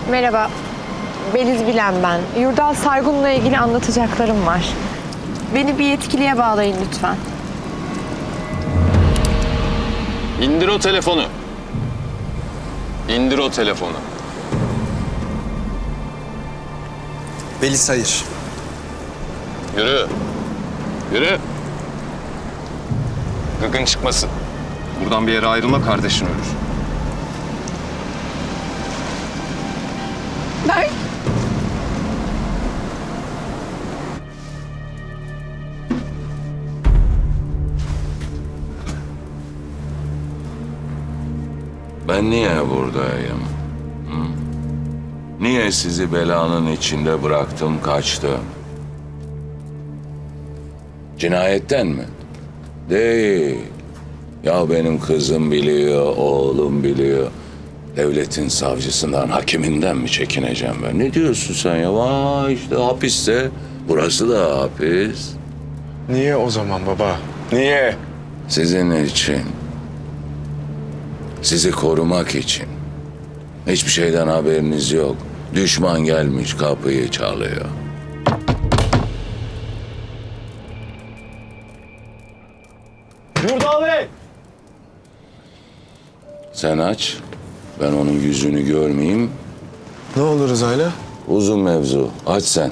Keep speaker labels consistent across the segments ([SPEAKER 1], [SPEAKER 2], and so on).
[SPEAKER 1] Merhaba, Beliz Bilen ben. Yurdal Sargun'la ilgili anlatacaklarım var. Beni bir yetkiliye bağlayın lütfen.
[SPEAKER 2] İndir o telefonu. İndir o telefonu.
[SPEAKER 3] Beliz hayır.
[SPEAKER 2] Yürü. Yürü. Gıkın çıkmasın. Buradan bir yere ayrılma, kardeşin ölür.
[SPEAKER 1] Ben...
[SPEAKER 4] Ben niye buradayım? Hı? Niye sizi belanın içinde bıraktım, kaçtım? Cinayetten mi? Değil. Ya benim kızım biliyor, oğlum biliyor. Devletin savcısından, hakiminden mi çekineceğim ben? Ne diyorsun sen ya? Vay işte hapiste. Burası da hapis.
[SPEAKER 3] Niye o zaman baba? Niye?
[SPEAKER 4] Sizin için. Sizi korumak için. Hiçbir şeyden haberiniz yok. Düşman gelmiş kapıyı çalıyor.
[SPEAKER 3] Yurdal Bey!
[SPEAKER 4] Sen aç. Ben onun yüzünü görmeyeyim.
[SPEAKER 3] Ne olur Rıza'yla?
[SPEAKER 4] Uzun mevzu. Aç sen.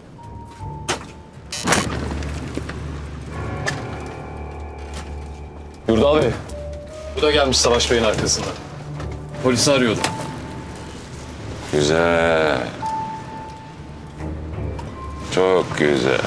[SPEAKER 2] Yurdal Bey. Bu da gelmiş Savaş Bey'in arkasından. Polisi arıyordum.
[SPEAKER 4] Güzel. Çok güzel.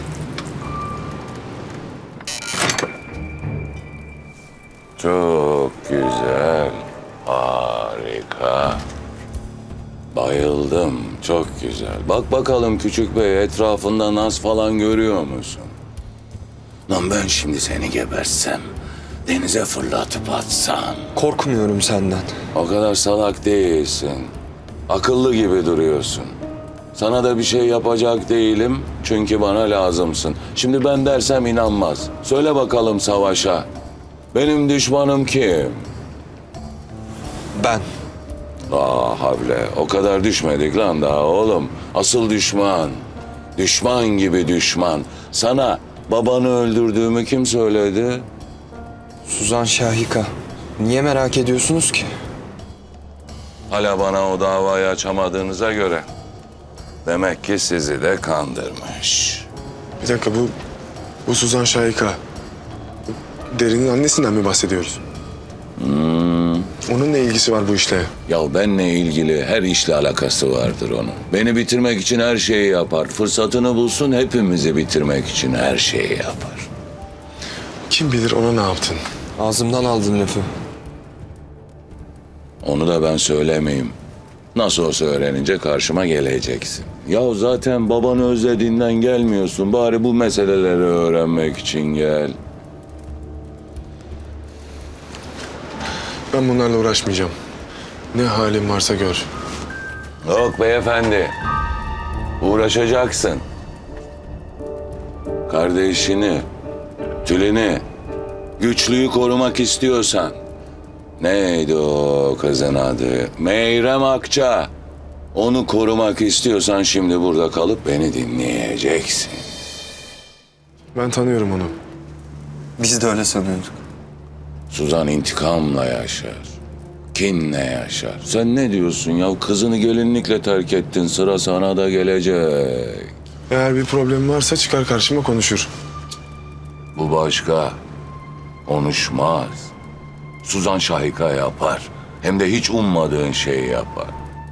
[SPEAKER 4] Çok güzel. Harika. Bayıldım. Çok güzel. Bak bakalım küçük bey, etrafında naz falan görüyor musun? Lan ben şimdi seni gebersem, denize fırlatıp atsam.
[SPEAKER 3] Korkmuyorum senden.
[SPEAKER 4] O kadar salak değilsin. Akıllı gibi duruyorsun. Sana da bir şey yapacak değilim çünkü bana lazımsın. Şimdi ben dersem inanmaz. Söyle bakalım Savaş'a. Benim düşmanım kim?
[SPEAKER 3] Ben.
[SPEAKER 4] Havle. O kadar düşmedik lan daha oğlum. Asıl düşman. Düşman gibi düşman. Sana babanı öldürdüğümü kim söyledi?
[SPEAKER 3] Suzan Şahika. Niye merak ediyorsunuz ki?
[SPEAKER 4] Hala bana o davayı açamadığınıza göre. Demek ki sizi de kandırmış.
[SPEAKER 5] Bir dakika bu Suzan Şahika. Derin'in annesinden mi bahsediyoruz? Onun ne ilgisi var bu işle?
[SPEAKER 4] Ya benle ilgili her işle alakası vardır onun. Beni bitirmek için her şeyi yapar. Fırsatını bulsun hepimizi bitirmek için her şeyi yapar.
[SPEAKER 5] Kim bilir ona ne yaptın?
[SPEAKER 3] Ağzımdan aldın lafı.
[SPEAKER 4] Onu da ben söylemeyeyim. Nasıl olsa öğrenince karşıma geleceksin. Ya zaten babanı özlediğinden gelmiyorsun. Bari bu meseleleri öğrenmek için gel.
[SPEAKER 5] Ben bunlarla uğraşmayacağım. Ne halin varsa gör.
[SPEAKER 4] Yok beyefendi. Uğraşacaksın. Kardeşini, Tülin'i, güçlüyü korumak istiyorsan. Neydi o kızın adı? Meyrem Akça. Onu korumak istiyorsan şimdi burada kalıp beni dinleyeceksin.
[SPEAKER 5] Ben tanıyorum onu.
[SPEAKER 3] Biz de öyle sanıyorduk.
[SPEAKER 4] Suzan intikamla yaşar. Kinle yaşar. Sen ne diyorsun ya? Kızını gelinlikle terk ettin. Sıra sana da gelecek.
[SPEAKER 5] Eğer bir problem varsa çıkar karşıma konuşur.
[SPEAKER 4] Bu başka. Konuşmaz. Suzan Şahika yapar. Hem de hiç ummadığın şeyi yapar.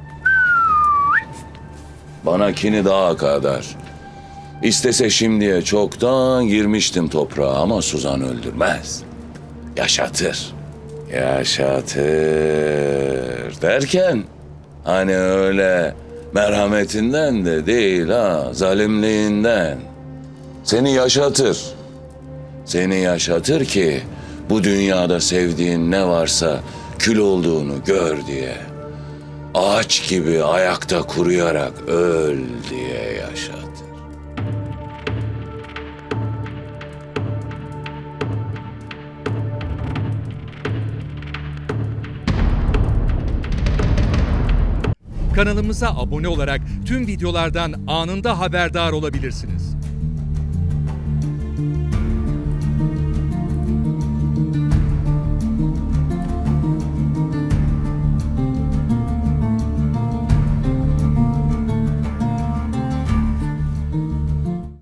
[SPEAKER 4] Bana kini daha kadar. İstese şimdiye çoktan girmiştim toprağa ama Suzan öldürmez. Yaşatır. Yaşatır derken hani öyle merhametinden de değil ha, zalimliğinden. Seni yaşatır. Seni yaşatır ki bu dünyada sevdiğin ne varsa kül olduğunu gör diye. Ağaç gibi ayakta kuruyarak öl diye yaşatır.
[SPEAKER 6] Kanalımıza abone olarak tüm videolardan anında haberdar olabilirsiniz.